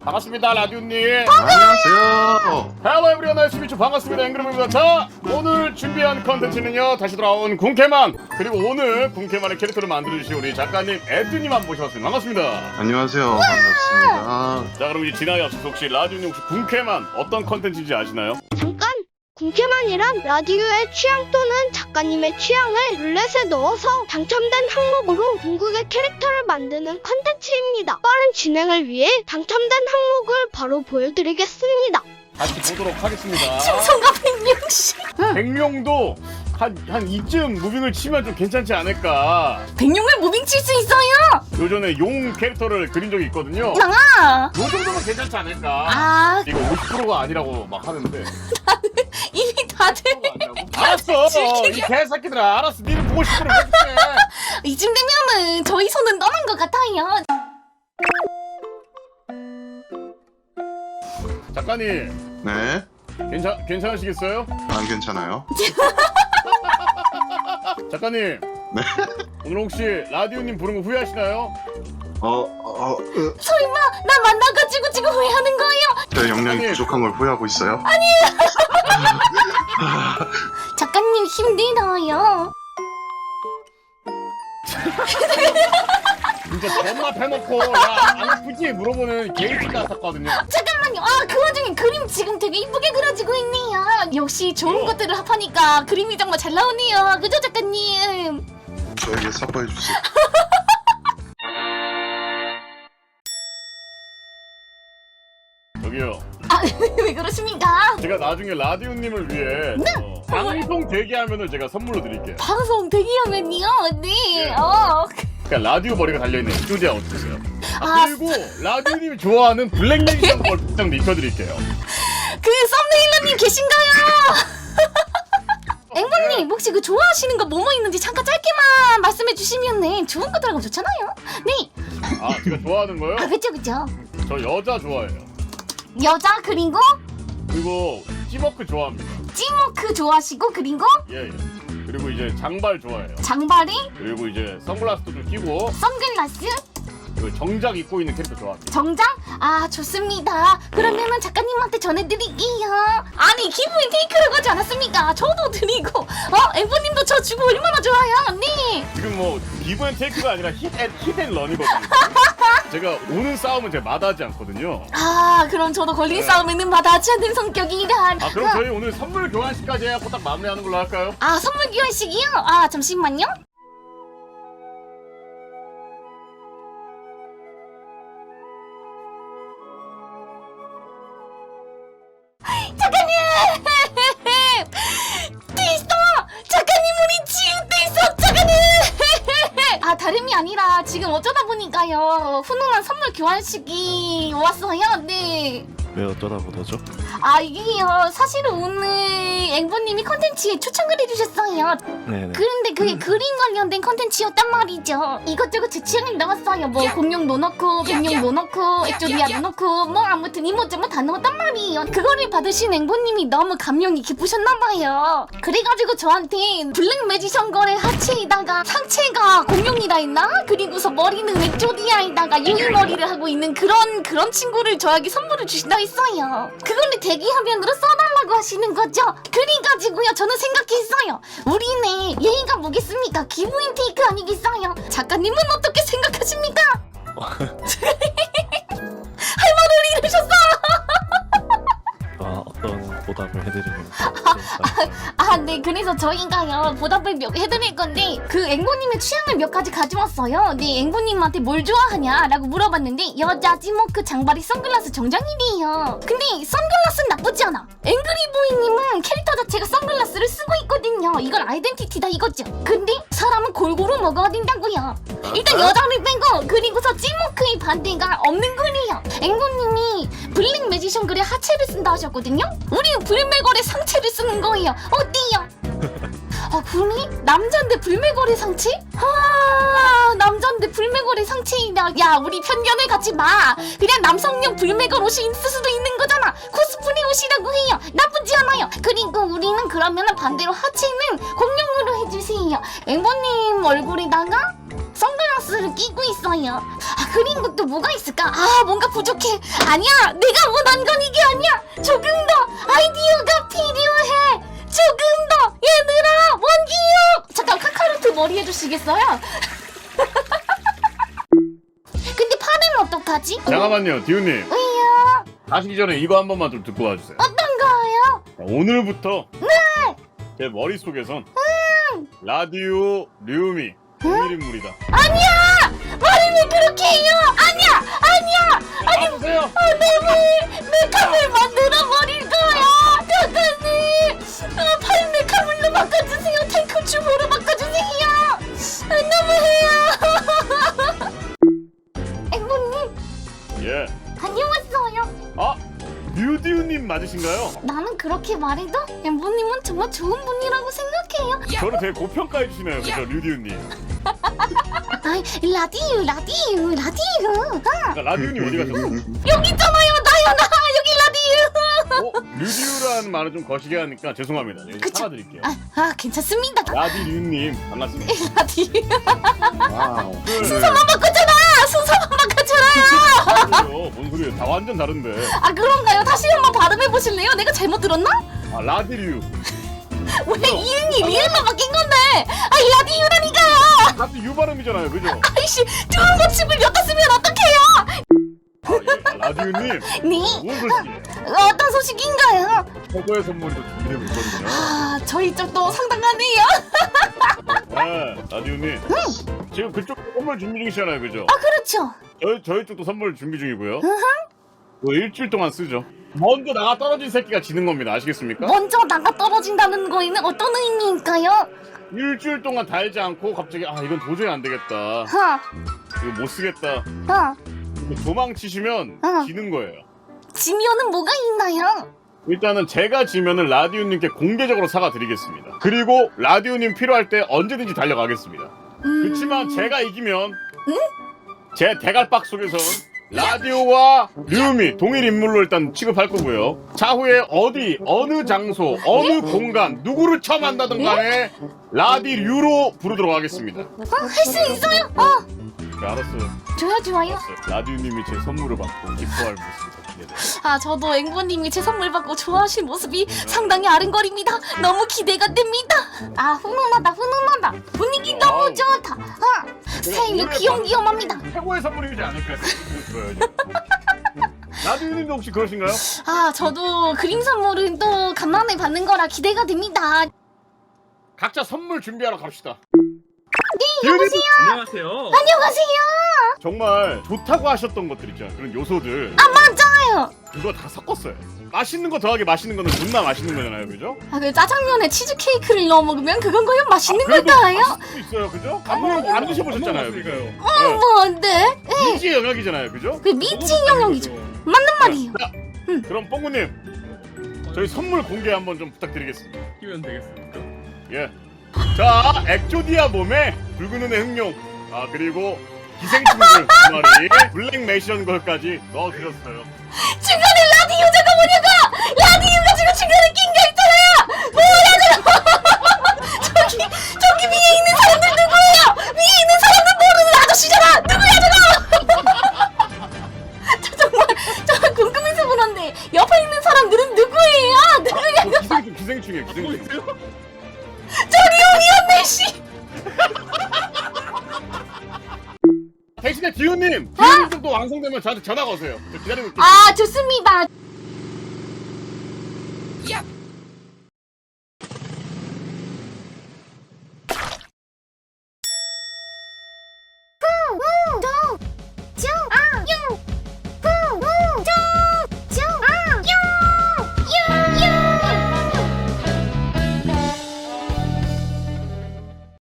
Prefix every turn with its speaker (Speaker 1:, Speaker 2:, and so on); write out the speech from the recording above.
Speaker 1: 반갑습니다, 라디오님.
Speaker 2: 안녕하세요.
Speaker 1: 헬로 에브리원 나이스 미츠 반갑습니다. 앵그룹입니다. 자, 오늘 준비한 컨텐츠는요, 다시 돌아온 궁캐만, 그리고 오늘 궁캐만의 캐릭터를 만들어주신 우리 작가님 에드님 한번 모셔봤습니다. 반갑습니다.
Speaker 2: 안녕하세요. 반갑습니다.
Speaker 1: 자, 그럼 이제 지나가기 앞서서 혹시 라디오님 혹시 궁캐만 어떤 컨텐츠인지 아시나요?
Speaker 3: 잠깐! 궁캐만이란 라디오의 취향 또는 작가님의 취향을 룰렛에 넣어서 당첨된 항목으로 궁극의 캐릭터를 만드는 컨텐츠입니다. 빠른 진행을 위해 당첨된 항목을 바로 보여드리겠습니다.
Speaker 1: 같이 보도록 하겠습니다.
Speaker 4: 충성가 160.
Speaker 1: 백룡도 한 이쯤 무빙을 치면 좀 괜찮지 않을까.
Speaker 4: 백룡을 무빙 칠 수 있어요.
Speaker 1: 요전에 용 캐릭터를 그린 적이 있거든요.
Speaker 4: 이상아.
Speaker 1: 요 정도면 괜찮지 않을까.
Speaker 4: 아,
Speaker 1: 이거 50%가 아니라고 막 하는데.
Speaker 4: 이미 다들
Speaker 1: 알았어.
Speaker 4: 즐기게.
Speaker 1: 이 개새끼들아. 알았어. 니를 보고 싶으면 해줄게.
Speaker 4: 이쯤 되면은 저희 손은 떠난 것 같아요.
Speaker 1: 작가님,
Speaker 2: 네.
Speaker 1: 괜찮으시겠어요?
Speaker 2: 안 괜찮아요?
Speaker 1: 작가님.
Speaker 2: 네.
Speaker 1: 오늘 혹시 라디오님 부른 거 후회하시나요?
Speaker 4: 설마 나 만나가지고 지금 후회하는 거예요?
Speaker 2: 제 역량이
Speaker 1: 아니.
Speaker 2: 부족한 걸 후회하고 있어요?
Speaker 4: 작가님 힘들어요.
Speaker 1: 진짜 존나 패놓고 야안 아프지? 물어보는 개인기 같았거든요.
Speaker 4: 잠깐만요. 아, 그 와중에 그림 지금 되게 이쁘게 그려지고 있네요. 역시 좋은 것들을 합하니까 그림이 정말 잘 나오네요. 그죠, 작가님?
Speaker 2: 저에게 사과해 주세요.
Speaker 1: 저기요.
Speaker 4: 아, 왜 그러십니까?
Speaker 1: 제가 나중에 라디오님을 위해 방송 대기하면은 제가 선물로 드릴게요.
Speaker 4: 방송 대기하면요. 네.
Speaker 1: 예. 그러니까 라디오 머리가 달려있는 스튜디오 어떠세요?
Speaker 4: 아,
Speaker 1: 그리고 라디오님이 좋아하는 블랙레이션 걸 복장도 입혀드릴게요.
Speaker 4: 그 썸네일러님 계신가요? 앵보님 혹시 그 좋아하시는 거 뭐뭐 있는지 잠깐 짧게만 말씀해 주시면 네 좋은 거 들어가면 좋잖아요. 네.
Speaker 1: 아, 제가 좋아하는 거요?
Speaker 4: 아, 그쵸 그쵸.
Speaker 1: 저 여자 좋아해요.
Speaker 4: 여자 그리고
Speaker 1: 그리고 찌머크 좋아합니다.
Speaker 4: 찌모크 좋아하시고 그리고
Speaker 1: 예, 예. 그리고 이제 장발 좋아해요.
Speaker 4: 장발이
Speaker 1: 그리고 이제 선글라스도 좀 끼고
Speaker 4: 선글라스
Speaker 1: 그리고 정작 입고 있는 캐릭터 좋아합니다.
Speaker 4: 정장 아 좋습니다. 그러면은 작가님한테 전해드릴게요. 아니 기부인 테이크라고 하지 않았습니까? 저도 드리고 앵보님도 저 주고 얼마나 좋아요. 네.
Speaker 1: 지금 뭐 기브앤테이크가 아니라 힛앤런이거든요. 제가 오는 싸움은 제가 마다하지 않거든요.
Speaker 4: 아 그럼 저도 걸린
Speaker 1: 네.
Speaker 4: 싸움에는 받아치 않는 성격이란.
Speaker 1: 아, 그럼 저희 오늘 선물 교환식까지 해갖고 딱 마무리하는 걸로 할까요?
Speaker 4: 아 선물 교환식이요? 아 잠시만요. 작가님! 됐어! 작가님 우리 지읒됐어! 작가님! 아 다름이 아니라 지금 어쩌다 보니까요 훈훈한 선물 교환식이 왔어요. 네.
Speaker 5: 왜 어쩌다 보다죠?
Speaker 4: 아 이게요 사실은 오늘 앵보님이 컨텐츠에 초청을 해주셨어요.
Speaker 5: 네네.
Speaker 4: 그런데 그게 그림 관련된 컨텐츠였단 말이죠. 이것저것 제 취향을 넣었어요. 뭐 공룡도 넣고 백룡도 넣고 액조디아도 넣고 뭐 아무튼 이모저모 다 넣었단 말이에요. 그거를 받으신 앵보님이 너무 감명이 깊으셨나봐요. 그래가지고 저한테 블랙 매지션 거래 하체에다가 상체가 공룡이라 했나? 그리고서 머리는 액조디아에다가 유리머리를 하고 있는 그런 친구를 저에게 선물을 주신다 했어요. 그거를 대기화면으로 써달라고 하시는 거죠. 그래가지고요 저는 생각했어요. 우리네 예의가 뭐겠습니까? 기브앤테이크 아니겠어요? 작가님은 어떻게 생각하십니까? 할 말을 잃으셨어.
Speaker 5: 어떤 보답을 해드리면
Speaker 4: 아, 네. 그래서 저희가요 보답을 해드릴 건데 그 앵보님의 취향을 몇 가지 가져왔어요. 네, 앵보님한테 뭘 좋아하냐라고 물어봤는데 여자 찌모크 장발이 선글라스 정장이래요. 근데 선글라스는 나쁘지 않아. 앵그리보이님은 캐릭터 자체가 선글라스를 쓰고 있거든요. 이건 아이덴티티다 이거죠. 근데 사람은 골고루 먹어야 된다고요. 일단 여자를 빼고 그리고서 찌모크의 반대가 없는 거래요. 앵보님이 블랙 매지션 글에 하체를 쓴다 하셨거든요. 우리는 불매걸의 상체를 쓰는 거예요. 어때요? 아 그래? 남잔데 불매걸의 상체? 아 남잔데 불매걸의 상체이다. 야 우리 편견을 갖지 마. 그냥 남성용 불매걸 옷이 있을 수도 있는 거잖아. 코스프레 옷이라고 해요. 나쁘지 않아요. 그리고 우리는 그러면은 반대로 하체는 공룡으로 해주세요. 앵보님 얼굴에다가 선글라스를 끼고 있어요. 아, 그리고 또 뭐가 있을까? 아, 뭔가 부족해. 아니야, 내가 원한 건 이게 아니야. 조금 더 아이디어가 필요해. 조금 더, 얘들아, 원기요. 잠깐 카카로트 머리 해주시겠어요? 근데 팔은 어떡하지?
Speaker 1: 잠깐만요, 디우님.
Speaker 4: 왜요?
Speaker 1: 가시기 전에 이거 한 번만 좀 듣고 와주세요.
Speaker 4: 어떤 거요?
Speaker 1: 자, 오늘부터 제 머릿속에선 라디오 류미 동일인물이다.
Speaker 4: 아니야! 말을 왜 그렇게 해요? 아니야! 아니야! 아니,
Speaker 1: 보세요.
Speaker 4: 내 칼을 만들어 버릴 거야! 작가님! 팔 메카물로 바꿔주세요! 탱크 춤으로 바꿔주세요! 너무해요! 앵보님,
Speaker 1: 예.
Speaker 4: 안녕하세요.
Speaker 1: 아, 류디우님 맞으신가요?
Speaker 4: 나는 그렇게 말해도 앵보님은 정말 좋은 분이라고 생각해요.
Speaker 1: 저를 되게 고평가해 주시네요, 그죠, 류디우님.
Speaker 4: 아이, 라디오.
Speaker 1: 그러니까 라디우님 어디 가셨어요?
Speaker 4: 여기 있잖아요, 나요, 나! 여기 라디오!
Speaker 1: 류디우라는 말을 좀 거시게 하니까 죄송합니다. 여기
Speaker 4: 그쵸.
Speaker 1: 사과드릴게요.
Speaker 4: 괜찮습니다.
Speaker 1: 라디류님 반갑습니다.
Speaker 4: 라디오.
Speaker 2: 와우.
Speaker 4: 순서만 바꿨잖아! 순서만 바꿨잖아요!
Speaker 1: 뭔 소리예요? 다 완전 다른데.
Speaker 4: 아, 그런가요? 다시 한번 발음해보실래요? 내가 잘못 들었나?
Speaker 1: 아, 라디류.
Speaker 4: 원래 이응이 리을로 바뀐 건데! 아, 라디오라니까요!
Speaker 1: 라디 유 발음이잖아요, 그죠?
Speaker 4: 아이씨, 좋은 고침을 엿었으면 어떡해요!
Speaker 1: 아, 예. 라디우님
Speaker 4: 네?
Speaker 1: 무슨 소식이에요?
Speaker 4: 어떤 소식인가요?
Speaker 1: 최고의 선물이 또 준비되고 있거든요.
Speaker 4: 아, 저희 쪽도 상당하네요.
Speaker 1: 네, 라디우님. 지금 그쪽 선물 준비 중이시잖아요, 그죠?
Speaker 4: 아, 그렇죠.
Speaker 1: 저희 쪽도 선물 준비 중이고요. 뭐 일주일 동안 쓰죠. 먼저 나가 떨어진 새끼가 지는 겁니다. 아시겠습니까?
Speaker 4: 먼저 나가 떨어진다는 거에는 어떤 의미일까요?
Speaker 1: 일주일 동안 달지 않고 갑자기 아 이건 도저히 안 되겠다. 이거 못 쓰겠다. 도망치시면 지는 거예요.
Speaker 4: 지면은 뭐가 있나요?
Speaker 1: 일단은 제가 지면은 라디오님께 공개적으로 사과드리겠습니다. 그리고 라디오님 필요할 때 언제든지 달려가겠습니다. 그렇지만 제가 이기면 제 대갈박 속에선 라디오와 류미 동일 인물로 일단 취급할 거고요. 차후에 어디 어느 장소 어느 공간 누구를 처음 만나든 간에 라디류로 부르도록 하겠습니다.
Speaker 4: 할 수 있어요?
Speaker 1: 네, 알았어요.
Speaker 4: 좋아요.
Speaker 1: 라디오님이 제 선물을 받고 기뻐할 모습이 기대돼요.
Speaker 4: 아, 저도 앵보님이 제 선물 받고 좋아하실 모습이 상당히 아른거립니다. 너무 기대가 됩니다. 아, 훈훈하다. 분위기 너무
Speaker 1: 와우.
Speaker 4: 좋다. 스타일이 귀염귀염합니다.
Speaker 1: 최고의 선물이지 않을까 싶어요. 라디오님도 혹시 그러신가요?
Speaker 4: 아, 저도 그림 선물은 또 간만에 받는 거라 기대가 됩니다.
Speaker 1: 각자 선물 준비하러 갑시다.
Speaker 4: 네, 여보세요?
Speaker 6: 안녕하세요.
Speaker 4: 안녕하세요.
Speaker 1: 정말 좋다고 하셨던 것들 있잖아요. 그런 요소들.
Speaker 4: 맞아요.
Speaker 1: 그거 다 섞었어요. 맛있는 거 더하기 맛있는 거는 존나 맛있는 거잖아요, 그죠?
Speaker 4: 아, 그 짜장면에 치즈케이크를 넣어 먹으면 그건 거의 맛있는
Speaker 1: 그래도
Speaker 4: 걸까요?
Speaker 1: 맛있을 수도 있어요, 그죠? 안 드셔보셨잖아요, 그죠?
Speaker 6: 먹어봤으니까요.
Speaker 4: 뭔데?
Speaker 1: 미지의 영역이잖아요, 그죠?
Speaker 4: 그 미치 영역이죠. 맞는 말이에요.
Speaker 1: 그럼 뽕구님, 저희 선물 공개 한번 좀 부탁드리겠습니다.
Speaker 6: 끼면 되겠습니까?
Speaker 1: 예. 자, 엑조디아 몸에 붉은 눈의 흑룡, 아 그리고 기생충들 두 마리, 블랙 매션 걸까지 넣어드렸어요.
Speaker 4: 중간에 라디오제가 뭐냐고! 라디오가 지금 중간에 낀 게 있잖아요! 뭐야, 저기 위에 있는 사람들 누구예요? 위에 있는 사람들 모르는 아저씨잖아! 누구야, 저거! 저 정말 궁금해서 그런데 옆에 있는 사람들은 누구예요? 누구야?
Speaker 1: 기생충이에요, 기생충.
Speaker 4: 저리 오니언네 씨!
Speaker 1: 대신에 디오님 쪽도 완성되면 저한테 전화가 오세요. 저 기다리고 있겠습니다.
Speaker 4: 아, 좋습니다.